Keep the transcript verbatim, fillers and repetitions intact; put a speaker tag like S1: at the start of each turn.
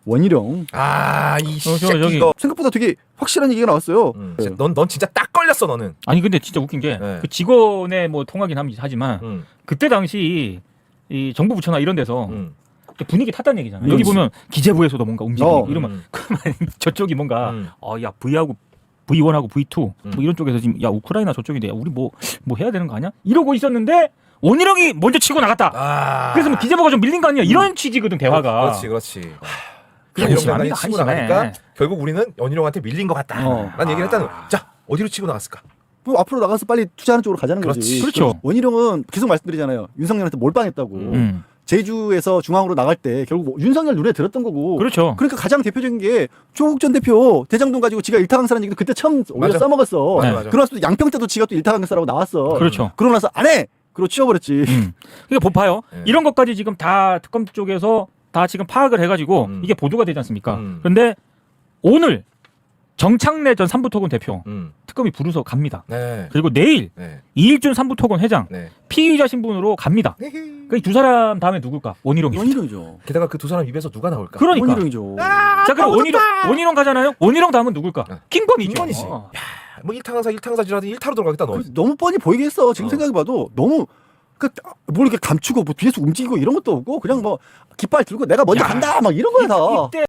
S1: 원희룡.
S2: 아이
S3: 저,
S2: 새끼
S3: 저기.
S2: 이거.
S1: 생각보다 되게 확실한 얘기가 나왔어요.
S2: 음, 진짜 넌, 넌 진짜 딱 걸렸어 너는.
S3: 아니 근데 진짜 웃긴 게
S2: 네.
S3: 그 직원의 뭐 통하긴 함- 하지만
S2: 음,
S3: 그때 당시 이 정부 부처나 이런 데서
S2: 음,
S3: 분위기 탔다는 얘기잖아.
S1: 음.
S3: 여기 보면 기재부에서도 뭔가 움직이고
S1: 어.
S3: 이러면
S2: 음.
S3: 그러면 저쪽이 뭔가
S2: 음.
S3: 어야 V하고 브이원하고 브이투
S2: 음.
S3: 뭐 이런 쪽에서 지금 야 우크라이나 저쪽인데 야, 우리 뭐 뭐 해야 되는 거 아니야? 이러고 있었는데 원희룡이 먼저 치고 나갔다.
S2: 아.
S3: 그래서 뭐 기재부가 좀 밀린 거 아니야? 이런 취지거든 대화가.
S2: 그렇지, 그렇지.
S3: 그냥
S2: 이런
S3: 심합니다,
S2: 장난이 치고
S3: 한심해.
S2: 나가니까 결국 우리는 연희룡한테 밀린 것 같다.
S1: 어.
S2: 난 얘기를 했다는. 자 어디로 치고 나갔을까?
S1: 뭐 앞으로 나가서 빨리 투자하는 쪽으로 가자는
S2: 그렇지.
S1: 거지.
S3: 그렇죠.
S1: 원희룡은 계속 말씀드리잖아요. 윤석열한테 몰빵했다고.
S3: 음.
S1: 제주에서 중앙으로 나갈 때 결국 뭐 윤석열 눈에 들었던 거고.
S3: 그렇죠.
S1: 그러니까 가장 대표적인 게 조국 전 대표 대장동 가지고 지가 일타 강사라는 얘기도 그때 처음 오히려
S2: 맞아.
S1: 써먹었어.
S3: 네.
S2: 맞아.
S1: 그러나서 또 양평 때도 지가 또 일타 강사라고 나왔어.
S3: 그렇죠.
S1: 그러고 나서 안 해. 그러고 치워버렸지.
S3: 음. 그러니까 봐요.
S2: 네.
S3: 이런 것까지 지금 다 특검 쪽에서 다 지금 파악을 해가지고
S2: 음.
S3: 이게 보도가 되지 않습니까?
S2: 음.
S3: 그런데 오늘 정창래 전 삼부토건 대표
S2: 음,
S3: 특검이 부르서 갑니다.
S2: 네,
S3: 그리고 내일
S2: 네,
S3: 이일준 삼부토건 회장
S2: 네.
S3: 피의자 신분으로 갑니다. 그 이 두 사람 다음에 누굴까? 원희룡이.
S1: 원희룡이죠.
S2: 게다가 그 두 사람 입에서 누가 나올까?
S3: 그러니까.
S1: 원희룡이죠.
S3: 자 그럼 원희룡 원희룡 가잖아요. 원희룡 다음은 누굴까?
S2: 네.
S3: 김건희죠.
S2: 김건희지.
S3: 어.
S2: 뭐 일탕강사 일탕사지라도 일타로 들어가겠다 너.
S1: 그 너무 뻔히 보이게 했어. 지금
S2: 어.
S1: 생각해봐도 너무 그 뭘 이렇게 감추고 뭐 뒤에서 움직이고 이런 것도 없고 그냥 뭐 깃발 들고 내가 먼저
S3: 야.
S1: 간다 막 이런 거야 다.
S3: 이때